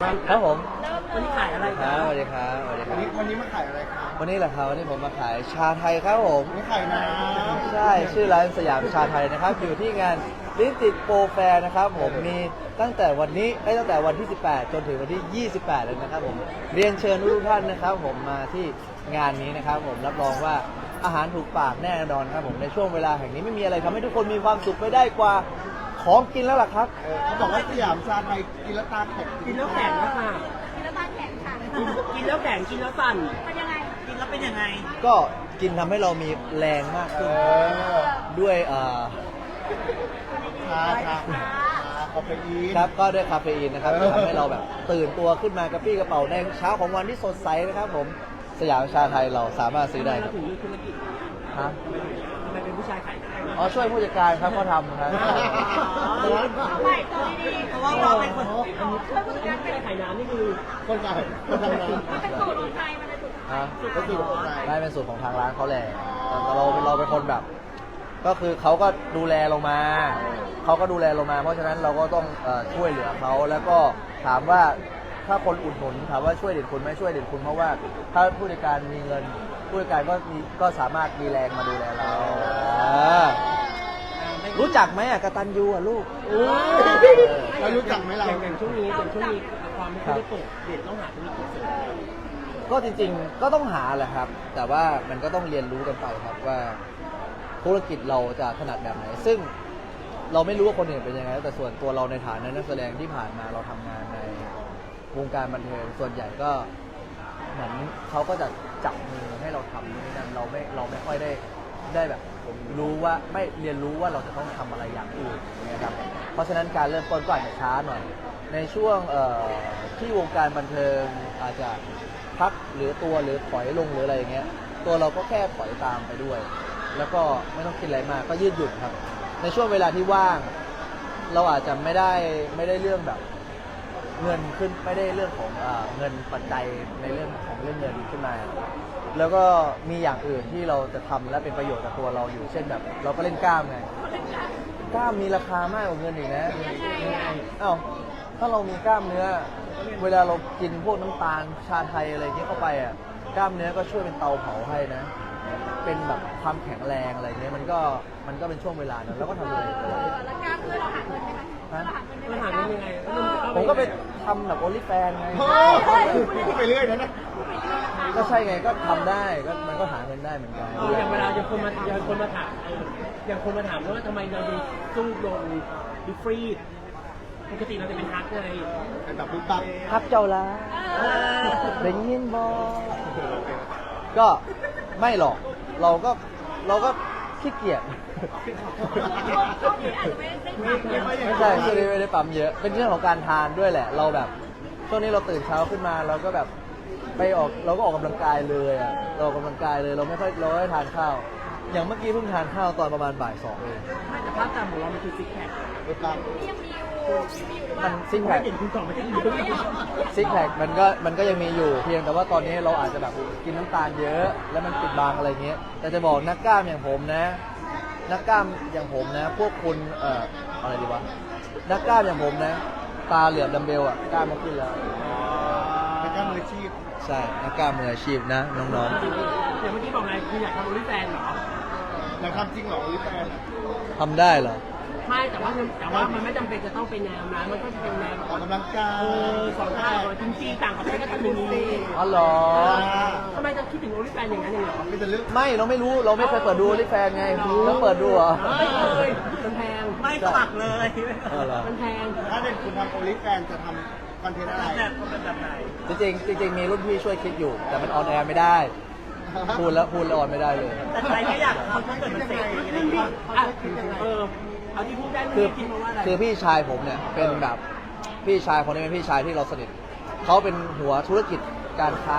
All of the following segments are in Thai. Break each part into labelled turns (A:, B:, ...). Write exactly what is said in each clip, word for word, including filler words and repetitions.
A: ครับผม
B: วันนี้ขายอะไร
A: ค
B: ค
A: รั
B: รั
A: บบ สวัสดีครับสวัสดีค
C: วั
A: รั
C: น
A: บ
C: นี้วันนี้มาขายอะไรครับ
A: วันนี้แหละครับวันนี้ผมมาขายชาไทยครับผม
C: วันนี้ขายน้ำ
A: ใช่ชื่อร้านสยามชาไทยนะครับอยู่ที่งานลิ้นติดโปรแฟร์นะครับผมมีตั้งแต่วันนี้ได้ตั้งแต่วันที่สิบแปดจนถึงวันที่ยี่สิบแปดเลยนะครับผมเรียนเชิญทุกท่านนะครับผมมาที่งานนี้นะครับผมรับรองว่าอาหารถูกปากแน่นอนครับผมในช่วงเวลาแห่งนี้ไม่มีอะไรทำให้ทุกคนมีความสุขไปได้กว่าของกินแล้วล่ะครับ
C: เออเขาบอกว่าสยามชาไทยกินแล้วตาแข็ง
B: กินแล้วแข็งนะค่ะ
D: กินแล้วตาแข็งค่ะ
B: กินแล้วแข็งกินแล้วสั่น
D: เป็นยังไง
B: กินแล้วเป็นยังไง
A: ก็กินทำให้เรามีแรงมาก
C: เอ
A: ขึ้น
C: อ
A: ด้วยเอ่อ
C: ชาชาชาคาเฟอีน
A: ครับก็ด้วยคาเฟอีนนะครับ
C: เออ
A: ที่ทำให้เราแบบตื่นตัวขึ้นมากระปรี้กระเป๋าในเช้าของวันที่สดใสนะครับผมสยามชาไทยเราสามารถซื้อได้ค
B: เรา
A: รับ
B: ถึงเรื่องธุรกิจ
A: ฮะ
B: ทำไมเป็นผู้ชายขายได้
A: อ๋อช่วยผู้จัดการครับเขาทำครับ
D: เอาใหม่ตัวดีๆ
B: เพราะว่าเราเป็นคน
D: ช่วยผู้จัดการ
B: ไม่
D: เป็น
B: ได้ขายน้ำนี่คือ
C: คนขายคนทำน้
D: มันเป็นสูตรของไทยมันเป็นสูตร
A: ฮะ
C: ำก็คือคนขาย
A: ได้เป็นสูตรของทางร้านเขาแหละแต่เราเราเป็นคนแบบ ก็คือเขาก็ดูแลลงมาเขาก็ดูแลลงมา เพราะฉะนั้นเราก็ต้องเอ่อช่วยเหลือเขาแล้วก็ถามว่าถ้าคนอุดหนุนถามว่าช่วยเด่นคุณไหมช่วยเด่นคุณเพราะว่าถ้าผู้จัดการมีเงิน ผู้จัดการก็มีก็สามารถมีแรงมาดูแลเราอ่ารู้จักไหมอ่ะกตัญญูอ่ะลูก
B: โอ้ย
C: เรารู้จักไหมเรา
B: อย่างอย่างช่วงนี้อย่างช่วงนี้ความไม่ค่อยได้เปิดเด็ดต้องหาธุรกิจเสริม
A: ก็จริงๆ ก็ต้องหาแหละครับ แต่ว่ามันก็ต้องเรียนรู้กันไปครับว่าธุรกิจเราจะถนัดแบบไหน ซึ่งเราไม่รู้ว่าคนอื่นเป็นยังไง แต่ส่วนตัวเราในฐานะนักแสดงที่ผ่านมาเราทำงานในวงการบันเทิงส่วนใหญ่ก็เหมือนเขาก็จะจับมือให้เราทำนี่นั่นเราไม่เราไม่ค่อยได้ได้แบบรู้ว่าไม่เรียนรู้ว่าเราจะต้องทำอะไรอย่างอื่นนะครับเพราะฉะนั้นการเริ่มต้นก็อาจจะช้าหน่อย ในช่วงเอ่อที่วงการบันเทิงอาจจะพักหรือตัวหรือถอยลงหรืออะไรอย่างเงี้ยตัวเราก็แค่ถอยตามไปด้วย แล้วก็ไม่ต้องคิดอะไรมากก็ยืดหยุ่นครับ ในช่วงเวลาที่ว่าง เราอาจจะไม่ได้ไม่ได้เรื่องแบบเงินขึ้นไม่ได้เรื่องของเอ่อเงินปัจจัยในเรื่องของเรื่องเงินขึ้นมา แล้วก็มีอย่างอื่นที่เราจะทำและเป็นประโยชน์กับตัวเราอยู่เช่นแบบ เราก็เล่นกล้ามไงกล้ามมีราคามากกว่าเงินอีกนะอ้าวถ้าเรามีกล้ามเนื้อ เวลาเรากินพวกน้ำตาลชาไทยอะไรอย่างเงี้ยเข้าไปอ่ะกล้ามเนื้อก็ช่วยเป็นเตาเผาให้นะ เป็นแบบความแข็งแรงอะไรเงี้ยมันก็มันก็เป็นช่วงเวลานั้นแล้วก็ทำอะไรก็ได้
D: แล้วกล้ามเพื่อเราหาเงินไหมคะเราหาเงินได้ไหม
B: มันหาเงินยังไง
A: ผมก็ไปทำแบบโอลิแฟนไง
C: โอ้พูดไปเรื่อยนะนะ
A: ก็ใช่ไงก็ทำได้ก็มันก็หาเงินได้เหมือนกัน
B: เอออย่างเวลาอย่างคนมาอย่างคนมาถามเอออย่างคนมาถามว่าทำไมเราดูสู้ลงดูฟรีดปกติเราจะเป็นฮาร์ดไง
C: เป็นแบบปุ๊บปั๊บ
A: พักเจ้าละเป็นยินบอก็ไม่หรอกเราก็เราก็ขี้เกียจ
D: ช่วงนี้อาจจะไม่ได้ทำเยอะ
A: ไม่ใช่ช่วงนี้ไม่ได้ปั๊มเยอะ เป็นเรื่องของการทานด้วยแหละ เราแบบช่วงนี้เราตื่นเช้าขึ้นมาเราก็แบบไปออกเราก็ออกกำลังกายเลยอ่ะเราออกกำลังกายเลยเราไม่ค่อยเราไม่ได้ทานข้าว อย่างเมื่อกี้เพิ่งทานข้าวตอนประมาณบ่ายสองเอง
B: ไม่แต่ภาพจำของเรามันคือซิกแพค
C: ปุ๊บปั๊บ
D: ที่ยังมีอยู่มีอยู่
A: มันซิกแพ
B: ไม่
A: ค
B: เห็นคุณสองไม่ใช่ยืน
A: ซิกแพคมันก็มันก็ยังมีอยู่เพียงแต่ว่าตอนนี้เราอาจจะแบบกินน้ำตาลเยอะ แล้วมันปิดบังอะไรเงี้ยแต่จะบอกนักกล้ามอย่างผมนะ นักกล้ามอย่างผมนะ พวกคุณเอ่ออะไรดีวะนักกล้ามอย่างผมนะ ตาเหลือบดัมเบลอ่ะกล้ามมาขึ้นแล้ว
C: เป็นการมืออาชีพ
A: ใช่นักกล้ามมืออาชีพนะน้อง
B: อย่างเมื่อกี้บอกไงคืออยากทำโอลิแฟนเหรอ
C: เราทำจริงเหรอลิแฟน
A: ๆทำได้เหรอ
B: ไม่แต่ว่าแต่ว่ามันไม่จำเป็นจะต้องเป็นแนวนั้นมันก็จะเป็นแนว
C: ออกกำลังกาย
B: เออสองข้าวจริงๆต่างประเทศก็ทำอย่างนี้
A: อ๋อเหรอ
B: ทำไมจะคิดถึงโอลิแฟนอย่างนั้นอย่างเหรอ
C: มีแต่เรื่อง
A: ไม่เราไม่รู้เราไม่เคยเปิดดูลิแฟนไงแล้วเปิดดูเหรอ
B: ไม่เคยมันแพงไม่สมัครเลย
A: เออเหรอ
B: มันแพง
C: ถ้าเด่นคุณทำโอลิแฟนจะทำคอนเทนต์อะไร
B: แบบเป็นแบบไหน
A: จริงๆจริงๆมีรุ่นพี่ช่วยคิดอยู่ แต่มันออนแอร์ไม่ได้ พูดแล้วพูดแล้วออนไม่ได้เลย
B: แต่ใครไม่อยากทำถ้าเกิดมันเสร็จอะไรอย่างเงี้ยอ่ะเออเอาที่พูดได้
A: คื
B: ไม่
A: อ
B: คิดมาว่าอะไร
A: คือพี่ชายผมเนี่ยเป็นแบบพี่ชายคนนี้เป็นพี่ชายที่เราสนิทเขาเป็นหัวธุรกิจการค้า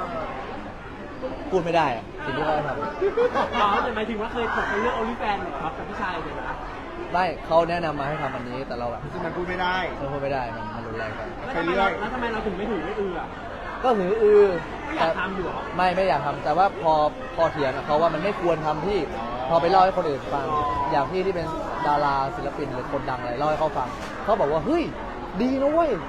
A: พูดไม่ได้อะสิ่งที่เขาท
B: อ๋อแต่หมายถึงว่าเคยถกกันเรื่องโอลิแฟนเหรอครับกับพี่ชายเลยนะ
A: ำไม่เขาแนะนำมาให้ทำอันนี้แต่เราแบบ
C: ซึ่งมันพูดไม่ได้
A: เราพูดไม่ได้มันมันรุนแรงไป
B: แล้วทำไมเราแล้วทำไมเราถึงไม่ถือไม่เอือ
A: ก็หืออือ
B: ไม่อยากทำอยู่เหรอ
A: ไม่ไม่อยากทำแต่ว่าพอพอเถียงกับเขาว่ามันไม่ควรทำที่พอไปเล่าให้คนอื่นฟัง อย่างพี่ที่เป็นดาราศิลปินหรือคนดังอะไรเล่าให้เขาฟังเขาบอกว่าเฮ้ยดีนะเว้ย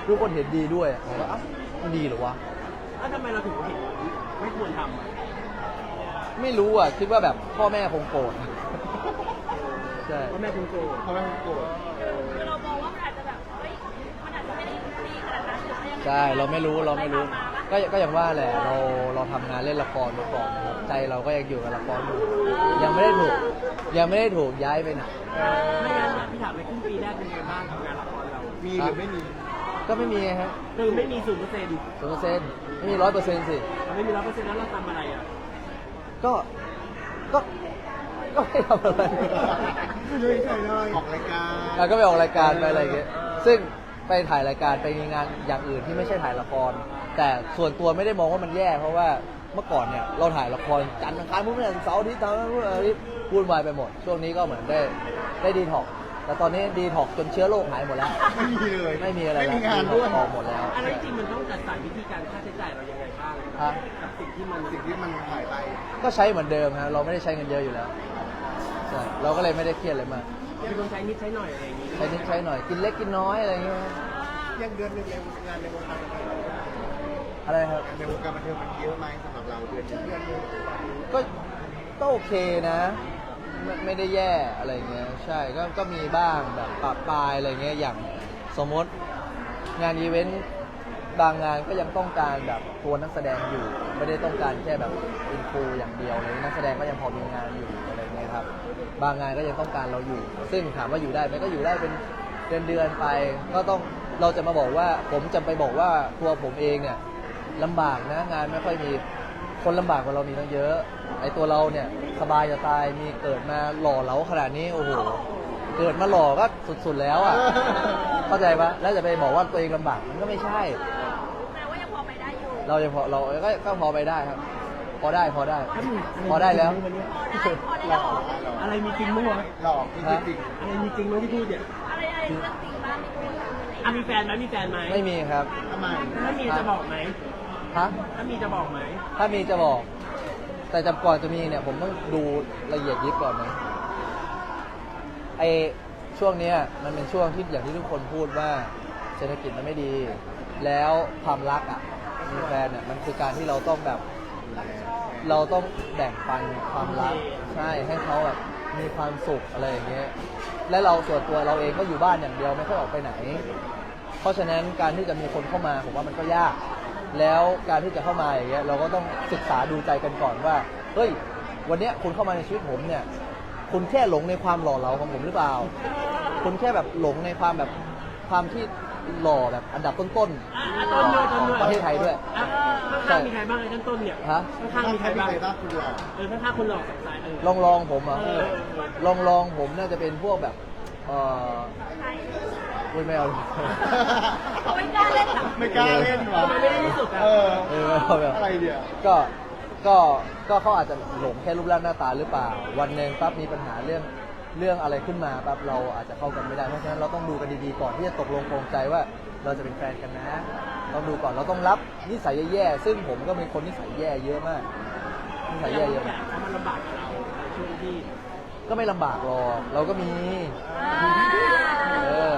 A: ทุกคนเห็นดีด้วยผมว่าอ้าวมันดีเหรอวะ
B: แล้วทำไมเราถึงเห็นไม่ควรทำอะ
A: ไม่รู้อ่ะคิดว่าแบบพ่อแม่คงโกรธใช่
B: เพราะแม่คุณโกรธ
C: เพราะว่าโกรธ
D: คือเรามองว่ามันอาจจะแบบเฮ้ยมันอาจจะไม่ได้ดีขนาดนั้นหรือว่ายังไง
A: ใช่เราไม่รู้เราไม่รู้
D: ปมาปะ
A: ก็ก็อย่างว่าแหละเราเราทำงานเล่นละครมาก่อนนะครับใจเราก็ยังอยู่กับละครอยู่ยังไม่ได้ถูกยังไม่ได้ถูกย้ายไปไหน
B: ไม่งั้นนะพี่ถามในครึ่งปีแรกเป็นไงบ้างกับงานละครเรา
C: มีหรือไม่มี
A: ก็ไม่มีไงครับ
B: คือไม่มีศูนย์เปอร์เซ็นต์
A: ศูนย์เปอร์เซ็นต์ไม่มีร้อยเปอร์เซ็นต์สิ
B: ไม่มีร้อยเปอร์เซ็นต์แล้วเราทำอะไรอ่ะ
A: ก็ก็ก็ไม่ทำอะไร
C: ช่วยช่วยหน่อยออกรายการ
A: แล้วก็ไปออกรายการไปอะไรอย่างเงี้ยซึ่งไปถ่ายรายการไปมีงานอย่างอื่นที่ไม่ใช่ถ่ายละคร แต่ส่วนตัวไม่ได้มองว่ามันแย่เพราะว่าเมื่อก่อนเนี่ยเราถ่ายละครจันทร์อังคารพุธพฤหัสเสาร์อาทิตย์ทำอะไรพูดอะไรวุ่นวายไปหมด ช่วงนี้ก็เหมือนได้ได้ดีท็อกซ์แต่ตอนนี้ดีท็อกซ์จนเชื้อโรคหายหมดแล้ว
C: ไม่มีเลย
A: ไม่มีอะไร
C: ไม่
A: แล้ว
C: มีงานด้วย
A: ออกหมดแล้ว
B: อะไรจริงมันต้องจัดสรรวิธีการค่าใช้จ่ายเรายังไงบ้าง
A: ฮะ
B: กับสิ่งที่มัน
C: สิ่งที่มันหายไป
A: ก็ใช้เหมือนเดิมฮะเราไม่ได้ใช้เงินเยอะอยู่แล้วใช่เราก็เลยไม่ได้เครียดอะไรมาก
B: มีคนใช้นิดใช้หน่อยอะไรอย่างนี้
A: ใช้นิดใช้หน่อยกินเล็กกินน้อยอะไรอย่างเงี้ย
C: ยังเดือนหนึงเลยงานในวงการบันเทิง
A: อะไรครับ
C: งานในวงการบันเทิงมันเยอะไหมสำหรับเราเดือนหนึงเดือนหนึง
A: ก็ก็โอเคนะไม่ไม่ได้แย่อะไรเงี้ยใช่ก็ก็มีบ้างแบบปะปลายอะไรเงี้ยอย่างสมมติงานอีเวนต์บางงานก็ยังต้องการแบบตัวนักแสดงอยู่ ไม่ได้ต้องการแค่แบบอินฟูอย่างเดียวเลยนักแสดงก็ยังพอมีงานอยู่อะไรเงี้ยครับบางงานก็ยังต้องการเราอยู่ ซึ่งถามว่าอยู่ได้ไหมก็อยู่ได้เป็นเดือนเดือนๆไป ก็ต้องเราจะมาบอกว่าผมจะไปบอกว่าตัวผมเองเนี่ยลำบากนะงานไม่ค่อยมีคนลำบากกว่าเรามีตั้งเยอะไอ้ตัวเราเนี่ยสบายจะตายมีเกิดมาหล่อเหลาขนาดนี้โอ้โหเกิดมาหล่อก็สุดๆแล้วอ่ะ เข้าใจปะแล้วจะไปบอกว่าตัวเองลำบากมันก็ไม่ใช่
D: แปลว่ายังพอไปได้อยู่
A: เรายังพอเราก็ก็พอไปได้ครับ พอได้พอได้ พอได้แล้ว
D: พอได้พอได้แล้วเหรอ
B: อะไรมีจริงมั้งวะ
C: หลอกจริงจริง
B: อะไรมีจริงมั้งที่พูดเนี่ย
D: อะไรอะไรเรื่องจริงบ้างมีคนอะไร
B: อ่ะมีแฟนไหมมีแฟนไหม
A: ไม่มีครับ
C: ทำไม
B: ถ้ามีจะบอกไหม
A: ฮะ
B: ถ้ามีจะบอกไหม
A: ถ้ามีจะบอก แต่จำก่อนจะมีเนี่ย ผมต้องดูละเอียดยิบก่อนนะไอช่วงเนี้ยมันเป็นช่วงที่อย่างที่ทุกคนพูดว่าเศรษฐกิจมันไม่ดี แล้วความรักอ่ะมีแฟนเนี่ยมันคือการที่เราต้องแบบ เราต้องแบ่งปันความรักใช่ให้เขาแบบมีความสุขอะไรอย่างเงี้ยและเราส่วนตัวเราเองก็อยู่บ้านอย่างเดียวไม่ค่อยออกไปไหน เพราะฉะนั้นการที่จะมีคนเข้ามาผมว่ามันก็ยาก แล้วการที่จะเข้ามาอย่างเงี้ยเราก็ต้องศึกษาดูใจกันก่อนว่าเฮ้ยวันเนี้ยคุณเข้ามาในชีวิตผมเนี่ย คุณแค่หลงในความหล่อเหลาของผมหรือเปล่า คุณแค่แบบหลงในความแบบความที่หล่อแบบอันดับต้น
B: อ่ะอ่ะต้นด้วยต้นด้วย
A: ๆประเทศไทยด้วย
B: อ่ะข้างๆมีใครบ้างไอ้ต้นต้นเนี่ย
A: ฮะ
B: ข้างๆมีใครบ้าง
C: ใครบ้างคุณหลอก
B: เออข้างๆคนหลอกสงสัยเออ
A: ลองลองผมเหรอ่ะ
B: เออ
A: ลองลองผมน่าจะเป็นพวกแบบเอออุ้ยไม่เอา
D: เขาไม่กล้าเล่นหรอ
C: ไม่กล้าเล่นวะ
B: ทำไมไม่ได้ที่สุดอ่ะ
C: เออ
A: เออไม่เอาแบบ
C: อะไรเดี๋ยว
A: ก็ก็ก็เขาอาจจะหลงแค่รูปร่างหน้าตาหรือเปล่า วันหนึ่งปั๊บมีปัญหาเรื่องเรื่องอะไรขึ้นมาปั๊บเราอาจจะเข้ากันไม่ได้เพราะฉะนั้นเราต้องดูกันดีๆก่อนที่จะตกลงปรงใจว่าเราจะเป็นแฟนกันนะต้องดูก่อนเราต้องรับนิสัยแย่ๆซึ่งผมก็เป็นคนนิสัยแย่เยอะมากนิสัยแย่เยอะ
B: แบ
A: มาก
B: บเขามันลำบากกับเราในช่วงที่
A: ก็ไม่ลำบากหรอกเราก็มี เออ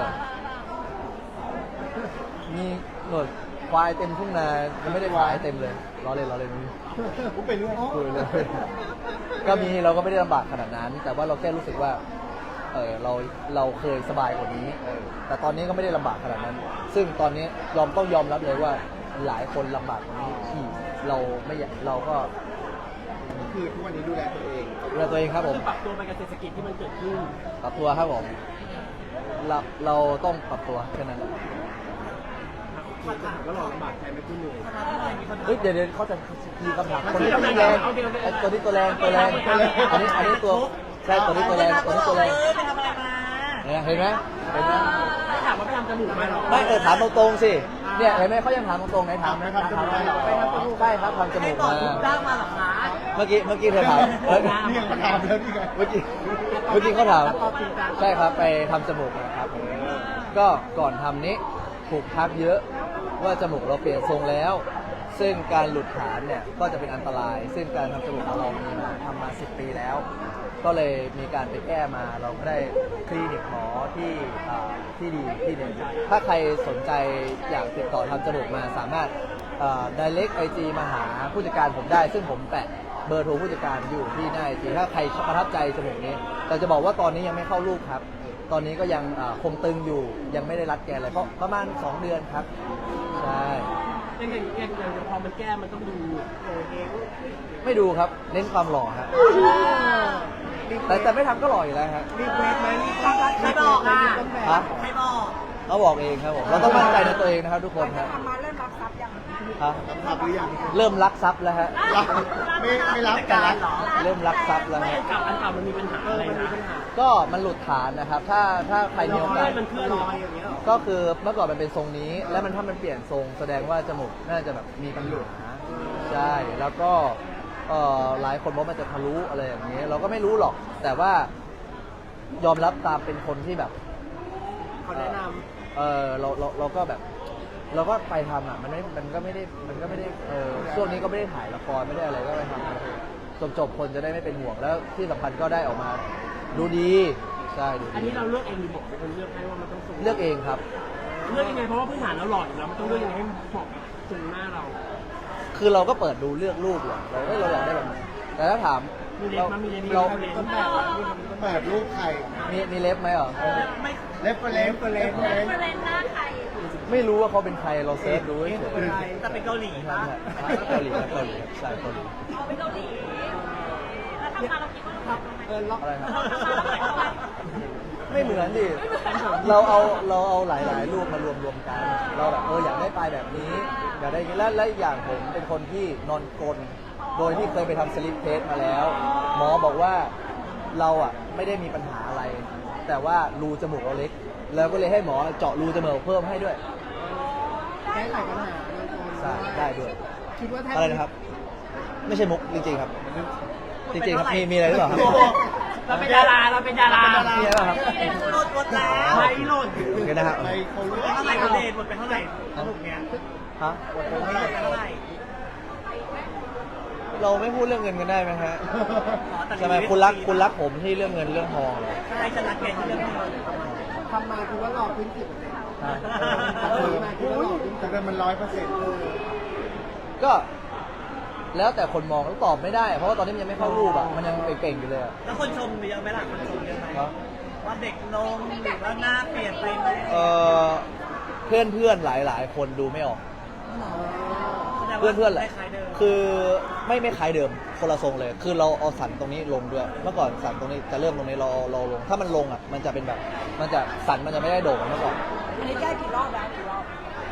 A: มีหนวดควายเต็มทุ่งนายังไม่ได้ขายเต็มเลยล้อเล่นล้อเล่น
C: ผมเป็นเรื่อง
A: คุยเลย ก็มีเราก็ไม่ได้ลำบากขนาดนั้น แต่ว่าเราแค่รู้สึกว่าเออเราเราเคยสบายกว่านี้เออแต่ตอนนี้ก็ไม่ได้ลำบากขนาดนั้น ซึ่งตอนนี้ยอมต้องยอมรับเลยว่าหลายคนลำบากกว่านี้ที่เราไม่อยากเราก็
C: คือทุกวันนี้ดูแลตัวเอง
A: ดูแลตัวเองครับผม
B: คือปรับตัวไปกับเศรษฐกิจที่มันเกิดขึ้น
A: ปรับตัวครับผมเราเราต้องปรับตัวแค่นั้นแหละ
B: คือถามว่าเราลำบากใจไหมคุณเหนื่อย
A: เฮ้ยเดี๋ยวเดี๋ยวเขาจะมีคำถามคนนี้ตัวแรงไอ้ตัวนี้ตัวแรงตัวแรงอันนี้อันนี้ตัวใช่ตัวนี้ตัวแรงตัวนี้ตัวแรง
D: ไปทำอะไรมา
A: เนี่ยเห็นไหมเห็นไหม
B: ถ้าถามว่าไปทำจมูกมาหรอ
A: ไม่เออถามตรงๆสิเนี่ยเห็นไหมเขายังถามตรงๆไหนถามไหมครับใช่ครับทำจมูกมา
D: จ้างมาหรอคะ
A: เมื่อกี้เมื่อกี้เธอถามเออ
C: นี่ยังมาถามแล้วนี่ไง
A: เมื่อกี้เมื่อกี้เขาถามใช่ครับไปทำจมูกนะครับก็ก่อนทำนี้ถูกทักเยอะว่าจมูกเราเปลี่ยนทรงแล้วซึ่งการหลุดฐานเนี่ยก็จะเป็นอันตราย ซึ่งการทำจมูกของเรามีมาทำมาสิบปีแล้ว ก็เลยมีการไปแก้มาเราก็ได้คลินิกหมอที่อ่าที่ดีที่หนึ่งถ้าใครสนใจอยากติดต่อทำจมูกมาสามารถอ่า direct ไอจีมาหาผู้จัดการผมได้ ซึ่งผมแปะเบอร์โทรผู้จัดการอยู่ที่หน้าไอจีถ้าใครประทับใจจมูกนี้แต่จะบอกว่าตอนนี้ยังไม่เข้ารูปครับ ตอนนี้ก็ยังอ่าคงตึงอยู่ยังไม่ได้รัดแกนเลยเพราะประมาณสองเดือนครับใช่
B: อย่างอย่างอย่างอย่างพอมันแก้มันต้องดูโอเค
A: ไม่ดูครับเน้นความหล่อฮะแต่แต่ไม่ทำก็หล่ออยู่แล้วครับ
C: รีเควสไหมรีเควส
E: ใครบอกอ่ะ
A: ฮะ
E: ใครบอก
A: เขาบอกเองครับผมเราต้องมั่นใจในตัวเองนะครับทุกคนครับ
C: ทำมาเริ่มรับทรัพย์ยัง
A: ฮะ
C: รับหรือยัง
A: เริ่มรักทรัพย์แล้วฮะ
C: รับไม่ไม่รับแต่รัก
A: เริ่มรักทรัพย์แล้ว
B: ไม่
A: ฮะ
B: อันเก่าอันเก่ามันมีปัญหาอะไรนะ
A: ก็มันหลุดฐานนะครับ ถ้าถ้าใครมีโอกาส
B: มันเคลื่อน
C: ลอยอย่างเงี้ยหรอ
A: ก็คือเมื่อก่อนมันเป็นทรงนี้ แล้วมันถ้ามันเปลี่ยนทรงแสดงว่าจมูกน่าจะแบบมีปัญหาใช่แล้วก็เอ่อหลายคนบอกมันจะทะลุอะไรอย่างนี้ เราก็ไม่รู้หรอก แต่ว่ายอมรับตามเป็นคนที่แบบ
B: เขาแนะน
A: เออเราเราเราก็แบบ เราก็ไปทำอ่ะมันไม่มันก็ไม่ได้มันก็ไม่ได้เออช่วงนี้ก็ไม่ได้ถ่ายละครไม่ได้อะไรก็ไปทำจบจบๆคนจะได้ไม่เป็นห่วงแล้วที่สำคัญก็ได้ออกมาดูดีใช่ดู
B: ำอัน
A: ดี
B: นี้เราเลือกเองหรือบอกเป็นคนเลือกให้ว่ามันต้องทรง
A: เลือกเองครับ
B: เลือกยังไงเพราะว่าพื้นฐานเราหล่ออยู่แล้วมันต้องเลือกยังไงให้เหมาะกับทรงหน้าเรา
A: คือเราก็เปิดดูเลือกรูปเลยเราเอ้ยเราอยากได้แบบไหนแต่ถ้าถาม
B: มีเล็
A: เรา
B: บมั้ยมีเล็บ
A: เรา
B: มีเล็บ
C: ต้นแบบต้นแบบรูปใคร
A: มีมีเล็บไหมเหรอ
E: ไม่
C: เล็บก็เล็บก็เล็บก็
D: เป
C: เล็บ
D: อร์เซ็นต์หน้าใคร
A: ไม่รู้ว่าเขาเป็นใครเราเซิร์ชดูเฉย
E: แต่เป็นเกาหลี
A: ๆใช่
E: ปะ
A: ใช่เกาหลีครับเกาหลีครับใช่เกาหลี
D: เอาไปเกาหลีแล้วทำมาเราคิดว่าเราทำไหม
C: เออล็อก
A: อะไรนะ
D: เราทำมาเราแต่งไหม
A: ไม่เหมือนดิเราเอาเราเอาหลาย ๆ รูปมารวมรวมๆกัน เราแบบเอออยากได้ปลายแบบนี้อยากได้อย่างนี้และและอีกอย่างผมเป็นคนที่นอนกลนโดยที่เคยไปทำสลิปเทสมาแล้ว หมอบอกว่าเราอ่ะไม่ได้มีปัญหาอะไร แต่ว่ารูจมูกเราเล็ก แล้วก็เลยให้หมอเจาะรูจมูกเพิ่มให้ด้วย
C: แก้ไขปัญหา
A: ใช่ได้ด้วย
C: คิดว่าแทบ
A: อะไรนะครับ ไม่ใช่มุกจริงๆครับ จริงๆครับมีมีอะไรหรือเปล่าครับ
B: เราเป็นดาราเราเป็นดารา
A: มีอะไรหรือเปล่าครับ
E: หลุดหมดแล้ว
B: ไม่หล่น
A: โอเคนะครับ
C: ไปเขารู้
E: เท่าไหร่คุณเดชหมดไปเท่าไหร่สรุปเนี้ย
A: ฮะ
E: หมดไปเท่าไหร่
A: เราไม่พูดเรื่องเงินกันได้ไหมฮะ
E: อ๋อแต่
A: ใช่ไหมคุณรักคุณรักผมที่เรื่องเงินเรื่องทองเหรอ
E: ใช่ฉันรักแกที่เรื่องนี้
C: ทำมาคือว่าหลอกพื้นที่
A: ฮะ
C: ทำมาคือว่าหลอกพื้นที่แต่มันร้อยเปอร์เซ็นต์
A: ก็แล้วแต่คนมองแล้วตอบไม่ได้ เพราะว่าตอนนี้มันยังไม่เข้ารูปอ่ะมันยังเก่งๆอยู่เลยอะ
E: แล้วคนชมเยอะไหมล่ะคนชมเยอะไหม
A: เนาะ
E: ว่าเด็กลงหรือว่าหน้าเปลี่ยนไปไหม
A: เออเพื่อนเพื่อนๆหลายๆ คนดูไม่ออก
E: แสดง
A: เพื่อน
E: ว่า
A: เพื่อนๆแหละ
E: คล้ายๆเดิม
A: คือไม่ไม่คล้ายเดิมคนละทรงเลย คือเราเอาสันตรงนี้ลงด้วย เมื่อก่อนสันตรงนี้จะเริ่มตรงนี้เราเราลง ถ้ามันลงอ่ะมันจะเป็นแบบ มันจะสันมันจะไม่ได้โด่งเหมือนเมื่อก่อน
C: อันนี้แก้กี่รอบแล้วกี่รอบ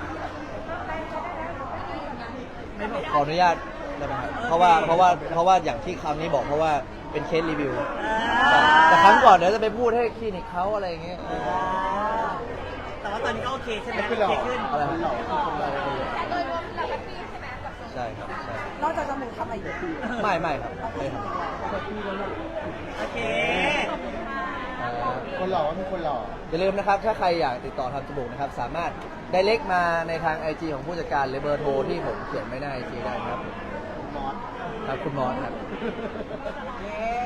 E: ไม่บอก
A: ขออนุญาตได้ไหมครับเพราะว่าเพราะว่าเพราะว่าอย่างที่คำนี้บอกเพราะว่าเป็นเคสรีวิว
E: อ่า
A: แต่ครั้งก่อนเดี๋ยวจะไปพูดให้คลินิกเขาอะไรอย่างเงี้ย
E: แต่ว่าตอนนี้ก็โอเคใช่ไหม
C: ไม่
E: โอ
C: เป็นหลอ
E: เค
C: ก
E: ขึ้น
A: อะไร
C: เป็นหลอกคือคนเรา
D: แต่โดยรวมเราแฮปปี้ใช่ไหมกับ
A: ใช่ครับใช่
C: นอกจากจมูกทำอะไรอีก
A: ไม่ไม่ครับไม่ครับ
E: โอเค
A: เอ่อ
C: คนหล่อว่ามีคนหล่อ
A: อย่าลืมนะครับ ถ้าใครอยากติดต่อทำจมูกนะครับ สามารถได้เล็กมาในทาง ไอ จี ของผู้จัดการหรือเบอร์โทรที่ผมเขียนไว้ใน ไอ จี ได้ครับ
C: มอส
A: ครับคุณมอสครับ
C: เย้